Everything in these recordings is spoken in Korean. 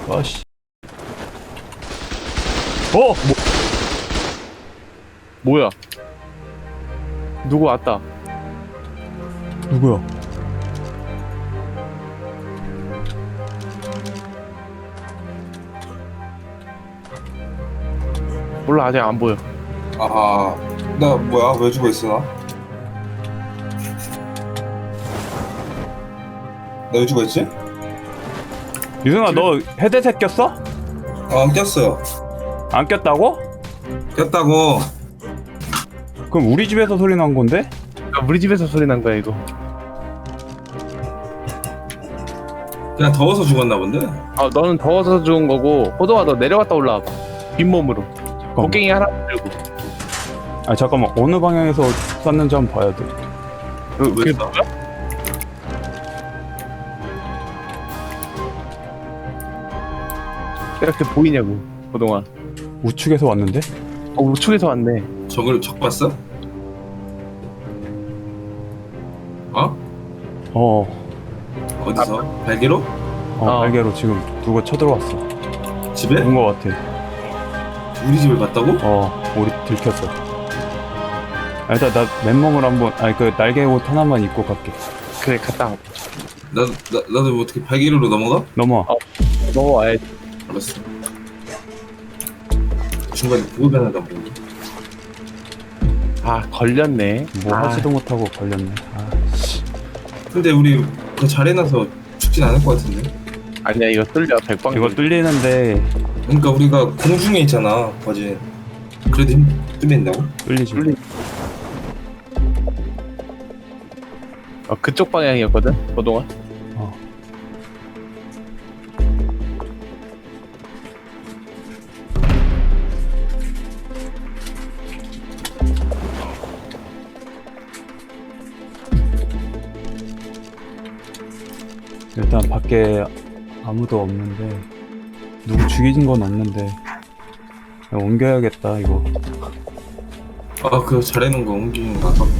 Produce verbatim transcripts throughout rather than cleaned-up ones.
아씨. 어! 뭐, 뭐야? 누구 왔다. 누구야? 몰라, 아직 안 보여. 아, 나 뭐야? 왜 죽어 있어 나? 나 왜 죽어 있지? 유승아, 너 헤드셋 꼈어? 아, 안 꼈어요. 안 꼈다고? 꼈다고. 그럼 우리 집에서 소리 난 건데? 아, 우리 집에서 소리 난 거야, 이거. 그냥 더워서 죽었나 본데? 아, 너는 더워서 죽은 거고, 호동아, 너 내려갔다 올라와봐. 빈몸으로. 곡괭이 하나 들고. 아 잠깐만, 어느 방향에서 쐈는지 한번 봐야 돼. 그, 왜 그게 쏴? 뭐야? 이렇게 보이냐고, 호동아. 우측에서 왔는데? 어, 우측에서 왔네. 저걸 적 봤어? 어? 어, 어디서? 발기로? 어, 어. 발개로 지금 누가 쳐들어왔어. 집에? 온 거 같아. 우리 집을 봤다고? 어, 우리 들켰어. 아, 일단 나 맨몸을 한번, 아니 그 날개 옷 하나만 입고 갈게. 그래, 갔다 와. 나, 나, 나도 뭐 어떻게 발기로로 넘어가? 넘어와. 어. 넘어와야지. 알았어. 중간에 보고 변하다 보니. 아, 걸렸네. 뭐 아, 하지도 못하고 걸렸네. 아, 근데 우리 그 잘 해놔서 죽진 않을 것 같은데? 아니야, 이거 뚫려, 백방. 이거 뚫리는데 그러니까 우리가 공중에 있잖아, 거진. 그래도 힘 뚫린다고? 뚫리지. 뚫리. 어, 그쪽 방향이었거든, 호동아. 어. 일단 밖에 아무도 없는데, 누구 죽인 건 없는데, 야, 옮겨야겠다 이거. 아, 그거 잘 해놓은 거 옮기는 거 아까.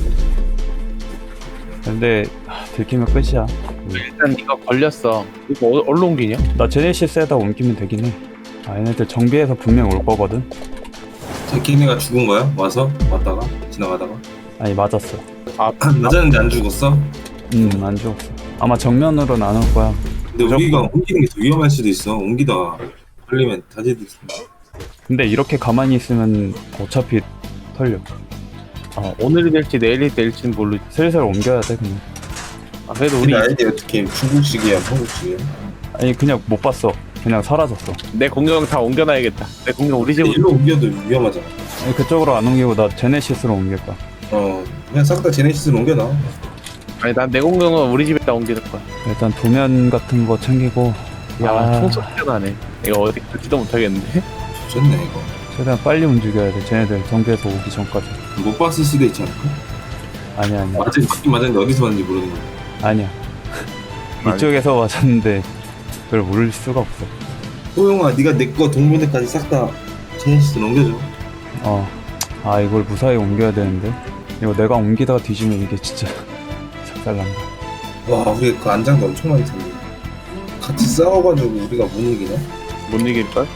근데 아, 들키면 끝이야. 일단 이거 걸렸어. 이거 어, 어디로 옮기냐? 나 제네시스에다 옮기면 되긴 해. 아, 얘네들 정비해서 분명 올 거거든. 제키네가 죽은 거야? 와서? 왔다가? 지나가다가? 아니, 맞았어. 아, 맞았는데 안 죽었어? 음, 안 죽었어. 아마 정면으로는 안 올 거야. 근데 우리가 옮기는 게 더 위험할 수도 있어. 옮기다가 걸리면 다제도 있어. 근데 이렇게 가만히 있으면 어차피 털려. 어, 오늘이 될지 내일이 될지는 모르지. 슬슬 옮겨야 돼 그냥. 아, 그래도 우리 우리 아이디 어떻게 중국식이야, 한국식이야? 아니, 그냥 못 봤어. 그냥 사라졌어. 내 공룡 다 옮겨놔야겠다. 내 공룡 우리 집으로. 일로 옮겨도 위험하잖아. 아니, 그쪽으로 안 옮기고 나 제네시스로 옮길 거야. 어, 그냥 싹 다 제네시스로 옮겨놔. 아니, 난 내 공룡은 우리 집에다 옮길 거야. 일단 도면 같은 거 챙기고. 야, 아, 총소리 나네. 이거 어디 갈지도 못하겠는데? 좋네, 이거. 최대한 빨리 움직여야 돼. 쟤네들 정비해서 오기 전까지. 못 봤을 수도 있지 않을까? 아니야, 아니야. 맞긴 맞긴 맞았는데 어디서 왔는지 모르는 거야. 아니야. 이쪽에서 맞았는데 그걸 모를 수가 없어. 호영아, 네가 내 거 동물대까지 싹 다 제네시스로 옮겨줘. 어. 아, 이걸 무사히 옮겨야 되는데. 이거 내가 옮기다가 뒤지면 이게 진짜 작살난다. 와, 우리 그 안장도 엄청 많이 텐데. 같이 싸워가지고 우리가 못 이기네? 못 이길걸?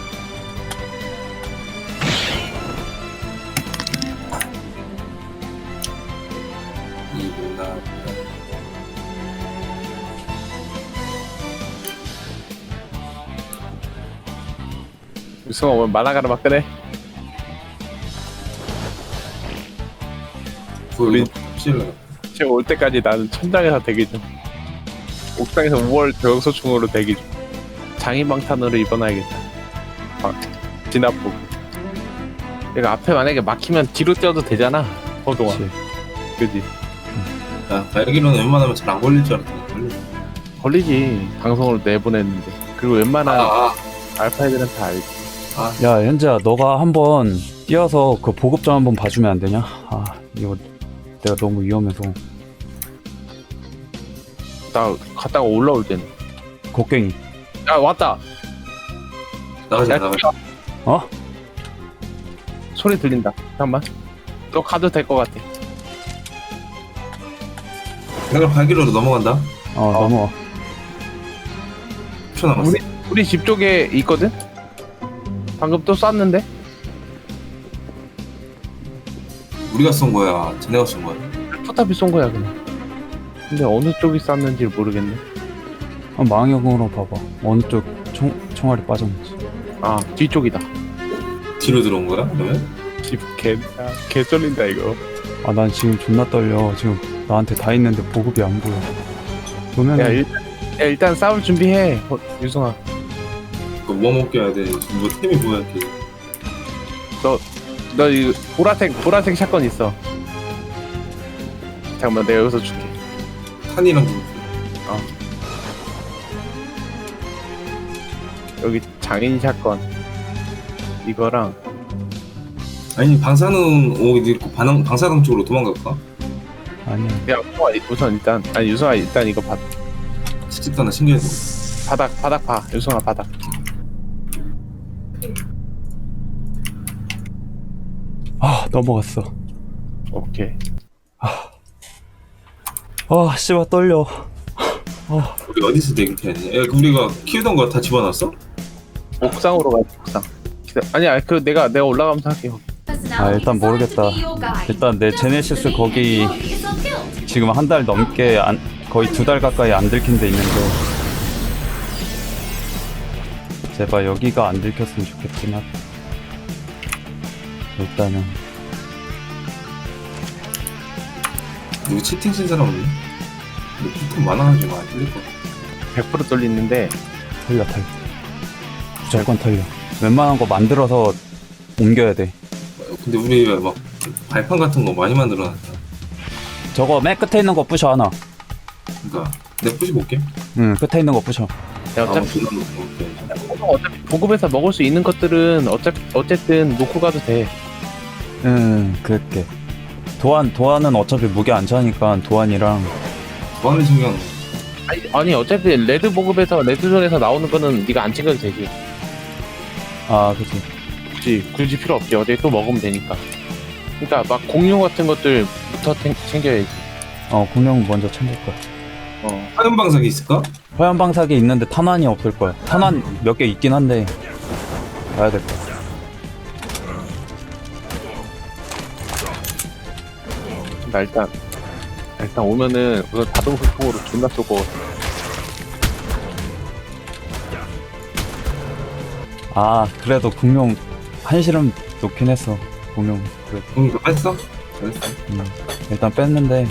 이구나. 유승아 오면 만화가를 막 끄네. 우리 실러. 지금 올 때까지 나는 천장에서 대기 중. 옥상에서 우월 저격소총으로 대기 중. 장인방탄으로 입어놔야겠다. 아, 진압복. 내가 앞에 만약에 막히면 뒤로 뛰어도 되잖아. 허동아. 그치. 그지? 야, 발기로는 웬만하면 잘 안 걸릴 줄 알았더니 걸리네. 걸리지. 방송으로 내보냈는데. 그리고 웬만한 아, 알파 애들은 다 알지. 아, 야, 현재야, 너가 한번 뛰어서 그 보급 좀 한번 봐주면 안 되냐? 아, 이거 내가 너무 위험해서. 나 갔다가 올라올 때는. 곡괭이. 야, 왔다. 나가자, 야, 나가자. 어? 소리 들린다. 잠깐만. 너 가도 될 것 같아. 내가 발기로로 넘어간다. 어, 넘어와. 초 남았어. 우리 우리 집 쪽에 있거든? 방금 또 쐈는데? 우리가 쏜 거야? 쟤네가 쏜 거야? 포탑이 쏜 거야 그냥. 근데 어느 쪽이 쐈는지 모르겠네. 한 망역으로 봐봐. 어느 쪽 총, 총알이 빠졌는지. 아 뒤쪽이다. 뒤로 들어온 거야? 그러면? 집개 개 쏠린다 이거. 아, 난 지금 존나 떨려. 지금 나한테 다 있는데 보급이 안 보여. 그러면 야 일단, 야, 일단 싸울 준비해 어, 유승아. 그거 뭐 먹게 해야 돼? 지금 뭐 템이 뭐야 이렇게? 너 이 보라색 보라색 샷건 있어. 잠깐만 내가 여기서 줄게. 탄이랑 좀 여기 장인 샷건 이거랑 아니 방사능 오기 있고 반항 방사능 쪽으로 도망갈까? 아니야. 야 우승아, 우선 일단 아니 유승아 일단 이거 받 시집도 하나 챙겨야 돼. 바닥 바닥 봐 유승아 바닥. 아, 넘어갔어. 오케이. 아, 씨발 떨려. 우리 어디서 대기해 하니? 야, 그 우리가 키우던 거 다 집어넣었어? 옥상으로 가 옥상. 기다- 아니야 그 내가 내가 올라가면서 할게. 아, 일단 모르겠다. 일단 내 제네시스 거기 지금 한 달 넘게 안, 거의 두 달 가까이 안 들킨 데 있는데 제발 여기가 안 들켰으면 좋겠구나. 일단은 누구 채팅 쓴 사람 없니? 너 피통 많아가지고 안 틀릴 거 같아. 백 퍼센트 뚫리는데 털려 털려. 무조건 털려. 웬만한 거 만들어서 옮겨야 돼. 근데 우리 막 발판 같은 거 많이 만들어놨다. 저거 맨 끝에 있는 거 부셔 하나. 그러니까 내가 부시 볼게. 응, 끝에 있는 거 부셔. 야, 아, 어차피 존나 놓고 어차피 보급에서 먹을 수 있는 것들은 어차피 어쨌든 놓고 가도 돼. 응, 그렇게. 도안 도안은 어차피 무게 안 차니까 도안이랑 뭐하는 신경. 아니, 아니 어차피 레드 보급에서 레드존에서 나오는 거는 네가 안 챙겨도 되지. 아, 그치. 굳이 굳이 필요 없지. 어디 또 먹으면 되니까. 그러니까 막 공룡 같은 것들부터 챙, 챙겨야지. 어, 공룡 먼저 챙길 거야. 어. 화염 방사기 있을까? 화염 방사기 있는데 탄환이 없을 거야. 탄환 몇 개 있긴 한데 가야 될 거야. 나 일단 일단 오면은 우선 자동 소통으로 존나 쏘고. 아, 그래도 공룡 한시름 놓긴 했어. 공룡 그래도. 응, 이거 뺐어? 잘했어. 음, 일단 뺐는데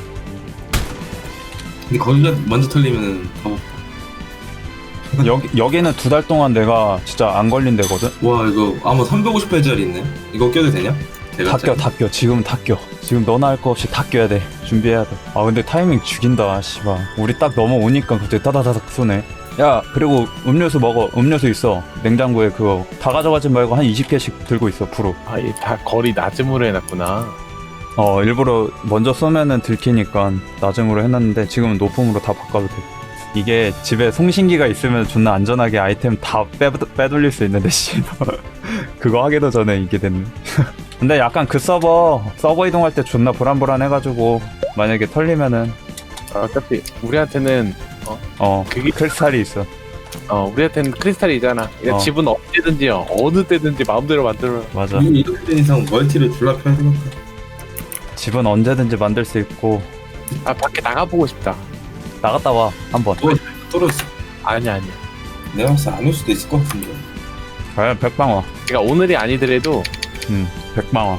근데 거기가 먼저 털리면은 더. 여기 여기는 두 달 동안 내가 진짜 안 걸린 데거든. 와 이거 아마 삼백오십 회짜리 있네. 이거 껴도 되냐? 다 껴, 다 껴. 지금은 다 껴. 지금 너나 할 거 없이 다 껴야 돼. 준비해야 돼. 아, 근데 타이밍 죽인다, 씨발. 우리 딱 넘어오니까 갑자기 따다다닥 쏘네. 야, 그리고 음료수 먹어. 음료수 있어. 냉장고에 그거. 다 가져가지 말고 한 이십 개씩 들고 있어, 프로. 아이 다 거리 낮음으로 해놨구나. 어, 일부러 먼저 쏘면은 들키니까 낮음으로 해놨는데 지금은 높음으로 다 바꿔도 돼. 이게 집에 송신기가 있으면 존나 안전하게 아이템 다 빼, 빼돌릴 수 있는데, 씨발. 그거 하기도 전에 이게 됐네. 근데 약간 그 서버, 서버 이동할 때 존나 불안불안해가지고, 만약에 털리면은, 아, 어차피 우리한테는 어, 그게- 크리스탈이 있어. 어 우리한테는 크리스탈이잖아. 그러니까 어. 집은 언제든지 어느 때든지 마음대로 만들어. 맞아. 이 이렇게 된 이상 멀티를 졸라 펴야 되겠다. 집은 언제든지 만들 수 있고, 아 밖에 나가보고 싶다. 나갔다 와, 한번. 어, 떨어졌어. 아니야 아니야. 내가 봤을 때 안 올 수도 있을 것 같은데. 과연 백방화. 그러니까 오늘이 아니더라도 응, 백방화.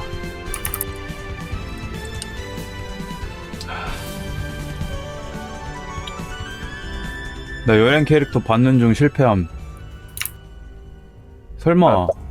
나 여행 캐릭터 받는 중 실패함. 설마.